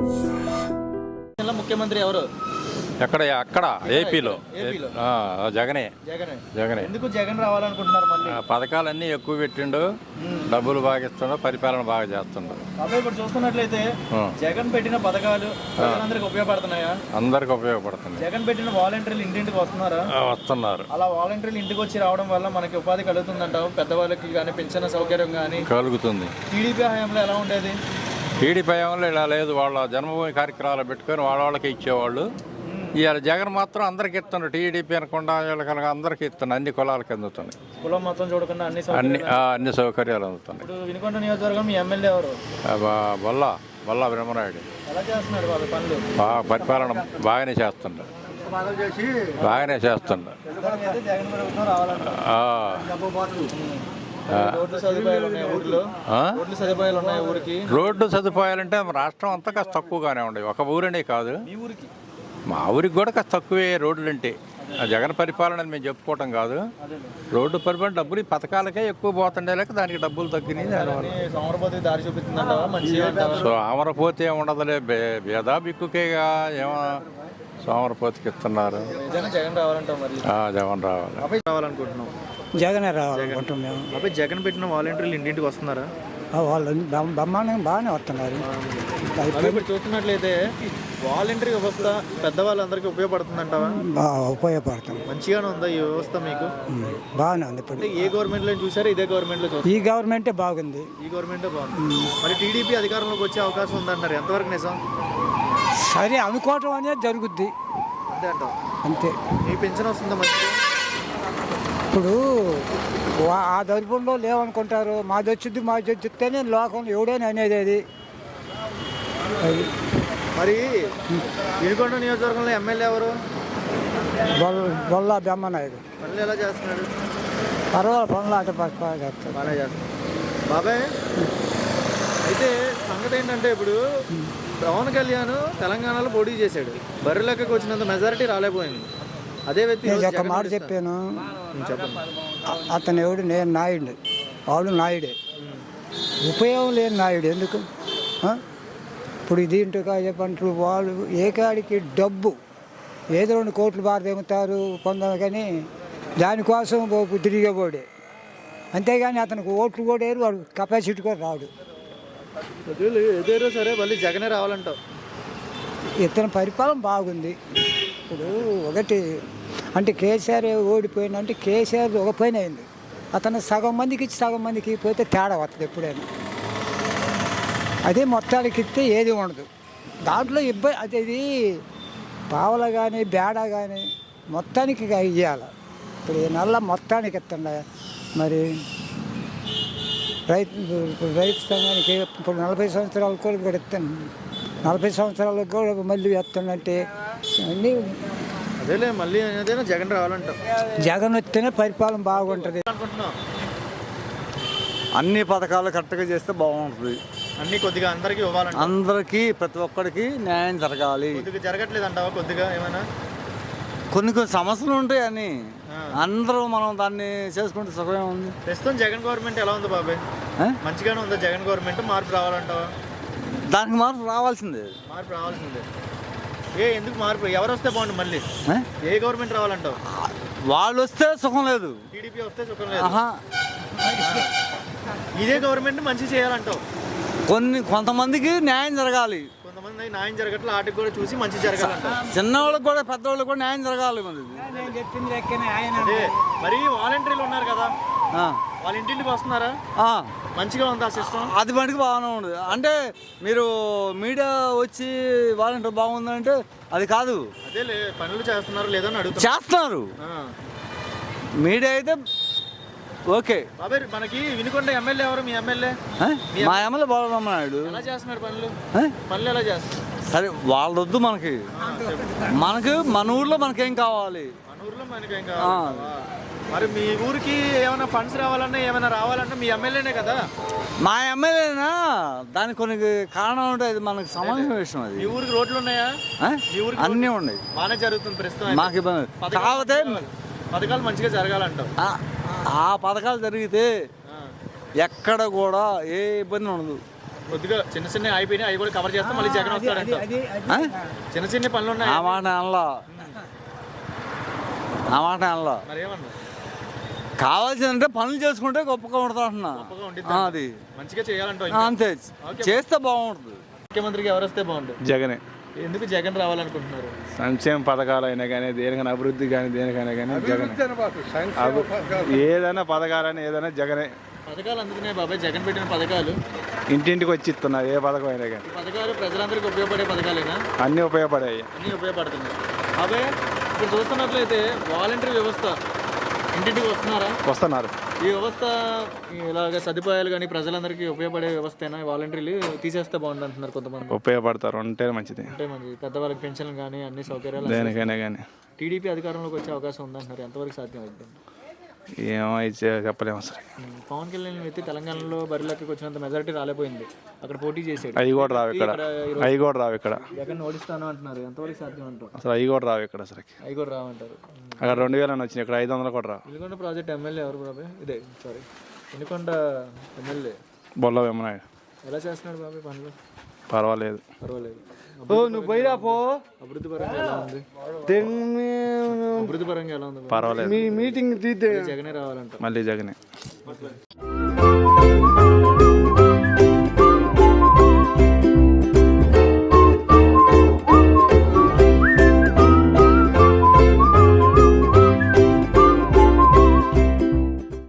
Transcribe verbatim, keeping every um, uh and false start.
ముఖ్యమంత్రి ఎవరు? ఎక్కడ అక్కడ ఏపీలో ఏపీలో జగనే జగనే జగనే ఎందుకు జగన్ రావాలనుకుంటున్నారు? మళ్ళీ పథకాలన్నీ ఎక్కువ పెట్టిండు, డబ్బులు బాగా ఇస్తుండు, పరిపాలన బాగా చేస్తుండు. అబ్బాయి ఇప్పుడు చూస్తున్నట్లయితే జగన్ పెట్టిన పథకాలు ప్రజలందరికీ ఉపయోగపడుతున్నాయా? అందరికి ఉపయోగపడుతుంది. జగన్ పెట్టిన వాలంటీర్లు ఇంటింటికి వస్తున్నారా? వస్తున్నారు. అలా వాలంటీర్లు ఇంటికి వచ్చి రావడం వల్ల మనకి ఉపాధి కలుగుతుందంటావు? పెద్దవాళ్ళకి కానీ పెన్షన్ సౌకర్యం కానీ కలుగుతుంది. టీడీపీ హయాంలో ఎలా ఉండేది? టీడీపీ హయాంలో ఇలా లేదు. వాళ్ళ జన్మభూమి కార్యక్రమాలు పెట్టుకొని వాళ్ళ వాళ్ళకి ఇచ్చేవాళ్ళు. ఇవాళ జగన్ మాత్రం అందరికి ఇస్తున్నాడు. టీడీపీ అనకుండా వీళ్ళకి అందరికి ఇస్తున్నాడు. అన్ని కులాలకి అందుతున్నాయి. కులం మొత్తం చూడకుండా అన్ని అన్ని అన్ని సౌకర్యాలు అందుతున్నాయి. ఇప్పుడు వినుకొండ నియోజకవర్గం మీ ఎమ్మెల్యే ఎవరు? బొల్లా బొల్లా బ్రహ్మనాయుడు. ఎలా చేస్తున్నాడు వాళ్ళ పనులు? బాగా పరిపాలన బాగానే చేస్తున్నాడు. బాగానే చేస్తున్నాడు. జగన్ ప్రభుత్వం రావాలంటారు. రోడ్లు సదుపాయాలు ఉన్నాయి ఊర్లో? రోడ్లు సదుపాయాలు ఉన్నాయి ఊరికి? రోడ్డు సదుపాయాలంటే రాష్ట్రం అంతా కాస్త తక్కువగానే ఉండేవి. ఒక ఊరనే కాదు, మీ ఊరికి మా ఊరికి కూడా కాస్త తక్కువే రోడ్లు అంటే. జగన్ పరిపాలన మేము చెప్పుకోవటం కాదు. రోడ్డు పరిపాలన డబ్బులు ఈ పథకాలకే ఎక్కువ పోతుండే లేక దానికి డబ్బులు తగ్గినాయి. సోమరపోతే దారి చూపిస్తుందంటావా? మంచిగా సో అమరపోతే ఉండదులే, భేదా బిక్కుకేగా ఏమో సోమరపోతికి ఇస్తున్నారు. జగన్ రావాలంటావు? మరి జగన్ రావాలి రావాలనుకుంటున్నాం. జగనే రావాలనుకుంటున్నాం మేము. అబ్బాయి జగన్ పెట్టిన వాలంటీర్లు ఇంటింటికి వస్తున్నారా? వాళ్ళు బ్రహ్మాండంగా బాగానే వస్తున్నారు. ఇప్పుడు చూస్తున్నట్లయితే వాలంటీర్ వ్యవస్థ పెద్దవాళ్ళందరికీ ఉపయోగపడుతుందంటావా? ఉపయోగపడుతుంది. మంచిగానే ఉందా ఈ వ్యవస్థ మీకు? బాగానే ఉంది. ఇప్పుడు ఏ గవర్నమెంట్ లో చూసారా? ఇదే గవర్నమెంట్ లో చూసారు? ఈ గవర్నమెంటే బాగుంది. ఈ గవర్నమెంటే బాగుంది. మరి టీడీపీ అధికారంలోకి వచ్చే అవకాశం ఉందంటారు, ఎంతవరకు నిజం? సరే అనుకోవటం అనేది జరుగుద్ది అంతే అంటావు? అంతే. మీ పెన్షన్ వస్తుందా మంచిగా? ఇప్పుడు ఆ దరిపంలో లేవనుకుంటారు. మాది వచ్చింది మాది వచ్చిస్తేనే లోకంలో ఎవడైనా అనేది అది. మరి వినుకొండ నియోజకవర్గంలో ఎమ్మెల్యే ఎవరు? బొల్లా బ్రహ్మనాయుడు. పనులు ఎలా చేస్తున్నాడు? పర్వాలేదు, పనులు అటు బాగా చేస్తాడు. బాగా చేస్తాడు. బాబాయ్ అయితే సంగతి ఏంటంటే, ఇప్పుడు పవన్ కళ్యాణ్ తెలంగాణలో పోటీ చేశాడు. బర్రె లెక్కకు వచ్చినంత మెజారిటీ రాలేకపోయింది. అదే వ్యక్తి ఒక మాట చెప్పాను, చెప్పండి. అతను ఎవడు? నేను నాయుడు, వాడు నాయుడే. ఉపయోగం లేని నాయుడు ఎందుకు? ఇప్పుడు దీంట్లో చెప్పంటారు వాళ్ళు ఏ కాడికి డబ్బు ఏదో రెండు కోట్లు బాగా తెమ్ముతారు పొందాలి, కానీ దానికోసం తిరిగేవాడే. అంతేగాని అతనికి ఓట్లు కూడా వేరు, వాడు కెపాసిటీ కూడా రాడు. ఏదేరో సరే మళ్ళీ జగనే రావాలంటావు? ఇతని పరిపాలన బాగుంది. ఇప్పుడు ఒకటి అంటే కేసీఆర్ ఓడిపోయినంటే కేసీఆర్ ఒక పైన అయింది. అతను సగం మందికి ఇచ్చి సగం మందికి పోతే తేడా వస్తుంది ఎప్పుడైనా. అదే మొత్తానికి ఇస్తే ఏది ఉండదు. దాంట్లో ఇబ్బంది అది ఇది పావల కానీ బేడ కానీ మొత్తానికి ఇవ్వాలి. ఇప్పుడు ఈ నెల మొత్తానికి ఇస్తుండ మరి రైతు ఇప్పుడు రైతు సంఘానికి ఇప్పుడు నలభై సంవత్సరాలకు కూడా కూడా ఇస్తాను. నలభై సంవత్సరాలకు కూడా మళ్ళీ ఇస్తానంటే అన్నీ అదేలే. మళ్ళీ ఏదైనా జగన్ రావాలంటావు? జగన్ వస్తేనే పరిపాలన బాగుంటుంది అనుకుంటున్నావు. అన్ని పథకాలు కరెక్ట్గా చేస్తే బాగుంటుంది. అన్ని కొద్దిగా అందరికీ ఇవ్వాలంట. అందరికీ ప్రతి ఒక్కరికి న్యాయం జరగాలి. కొద్దిగా జరగట్లేదు అంటావా? కొద్దిగా ఏమైనా కొన్ని కొన్ని సమస్యలు ఉంటాయి అని అందరూ మనం దాన్ని చేసుకుంటే సుఖమే ఉంది. ప్రస్తుతం జగన్ గవర్నమెంట్ ఎలా ఉంది బాబాయ్? మంచిగానే ఉందా జగన్ గవర్నమెంట్? మార్పు రావాలంటావా? దానికి మార్పు రావాల్సిందే. మార్పు రావాల్సిందే. ఏ ఎందుకు మార్పు? ఎవరు వస్తే బాగుంటుంది? మళ్ళీ ఏ గవర్నమెంట్ రావాలంటావు? వాళ్ళు వస్తే సుఖం లేదు, టీడీపీ వస్తే సుఖం లేదు. ఇదే గవర్నమెంట్ మంచి చేయాలంటావు? కొన్ని కొంతమందికి న్యాయం జరగాలి. కొంతమంది న్యాయం జరగట్లే, వాటికి కూడా చూసి మంచి జరగాలంట. చిన్నవాళ్ళకి కూడా పెద్దవాళ్ళకి కూడా న్యాయం జరగాలి. అదే మరి వాలంటీర్లు ఉన్నారు కదా, వాళ్ళ ఇంటింటికి వస్తున్నారా? మంచిగా ఉందా సిస్టమ్? అది మటుకు బాగానే ఉండదు. అంటే మీరు మీడియా వచ్చి వాలంటీర్ బాగుందంటే అది కాదు. అదే పనులు చేస్తున్నారు లేదని అడుగుతారు. చేస్తున్నారు. మీడియా అయితే ఓకే. బాబాయ్ మనకి వినుకొండ ఎమ్మెల్యే ఎవరు? మీ ఎమ్మెల్యే? మా ఎమ్మెల్యే బాలరామనాయుడు. ఎలా చేస్తున్నారు పనులు? పనులు ఎలా చేస్తున్నారు? సరే వాళ్ళొద్దు మనకి. మనకు మన ఊర్లో మనకేం కావాలి? మన ఊర్లో మనకేం కావాలి? మరి మీ ఊరికి ఏమైనా ఫండ్స్ రావాలన్నా ఏమైనా రావాలన్నా మీ ఎమ్మెల్యేనే కదా? మా ఎమ్మెల్యేనా? దానికి కొన్ని కారణం ఉంటాయి, అది మనకు సంబంధించిన విషయం. అది మీ ఊరికి రోడ్లు ఉన్నాయా? మీ ఊరికి అన్నీ ఉన్నాయి. బాగానే జరుగుతుంది ప్రస్తుతం. మాకు ఇబ్బంది కాకపోతే పథకాలు మంచిగా జరగాలంటావు? ఆ పథకాలు జరిగితే ఎక్కడ కూడా ఏ ఇబ్బంది ఉండదు. కొద్దిగా చిన్న చిన్న అయిపోయినాయి, అవి కూడా కవర్ చేస్తే మళ్ళీ జగన్ వస్తాడంట. ఆ? చిన్న చిన్న పనులు ఉన్నాయి, ఆ మాట అనలో ఆ మాట అనలో మరి ఏమన్నా కావాల్సిందంటే పనులు చేసుకుంటే గొప్పగా ఉంటుంది అంటున్నా. గొప్పగా ఉండిద్ది. ఆ, అది మంచిగా చేయాలంట. ఆ, అంతే చేస్తే బాగుంటుంది. ముఖ్యమంత్రిగా ఎవరు వస్తే బాగుంటుంది? జగనే. ఎందుకు జగన్ రావాలనుకుంటున్నారు? సంక్షేమ పథకాలు అయినా కానీ దేనికైనా అభివృద్ధి కానీ దేనికైనా కానీ జగనే. అభి- ఏదైనా పథకాలని ఏదైనా జగనే. పథకాలు అందుకునే బాబాయ్, జగన్ పెట్టిన పథకాలు ఇంటింటికి వచ్చి ఇస్తున్నారు ఏ పథకం అయినా కానీ. ఈ పథకాలు ప్రజలందరికీ ఉపయోగపడే పథకాలేనా? అన్నీ ఉపయోగపడాయి. అన్నీ ఉపయోగపడుతున్నాయి. బాబాయ్ ఇప్పుడు చూస్తున్నట్లయితే వాలంటరీ వ్యవస్థ ఇంటింటికి వస్తున్నారా? వస్తున్నారు. ఈ వ్యవస్థ ఇలాగ సదుపాయాలు కానీ ప్రజలందరికీ ఉపయోగపడే వ్యవస్థ వాలంటీర్లు తీసేస్తే బాగుంది అంటున్నారు కొంతమంది. ఉపయోగపడతారు ఉంటే మంచిది. అంటే మంచి పెద్దవాళ్ళకి పెన్షన్ కానీ అన్ని సౌకర్యాలు దేనికైనా కానీ. టీడీపీ అధికారంలోకి వచ్చే అవకాశం ఉందంటున్నారు, ఎంతవరకు సాధ్యం అవుతుంది? ఏమో ఇచ్చే చెప్పలేము అసలు. పవన్ కళ్యాణ్ వ్యక్తి తెలంగాణలో బరిలోకి వచ్చినంత మెజారిటీ రాలేపోయింది, అక్కడ పోటీ చేసాడు. అవి కూడా రావు ఇక్కడ. అవి కూడా రావు ఇక్కడ. జగన్ ఓడిస్తాను అంటున్నారు, ఎంతవరకు సాధ్యం అంటారు? అసలు అవి కూడా రావు ఇక్కడ అసలు. అవి కూడా రావంటారు. అక్కడ రెండు వేలని వచ్చినాయి, ఇక్కడ ఐదు వందలు కూడా రావు. వినుకొండ ప్రాజెక్ట్ ఎమ్మెల్యే ఎవరు బాబాయ్? ఇదే సారీ వినుకొండ ఎమ్మెల్యే బొల్ల వెమ్మనాయుడు. ఎలా చేస్తున్నాడు బాబాయ్ పనులు? పర్వాలేదు. పర్వాలేదు. నువ్వు పోయిరా పో. అభివృద్ధి పరంగా ఎలా ఉంది? అభివృద్ధి పరంగా ఎలా ఉంది? పర్వాలేదు. మీటింగ్ తీద్దే జగనే రావాలంట. మళ్ళీ జగనే.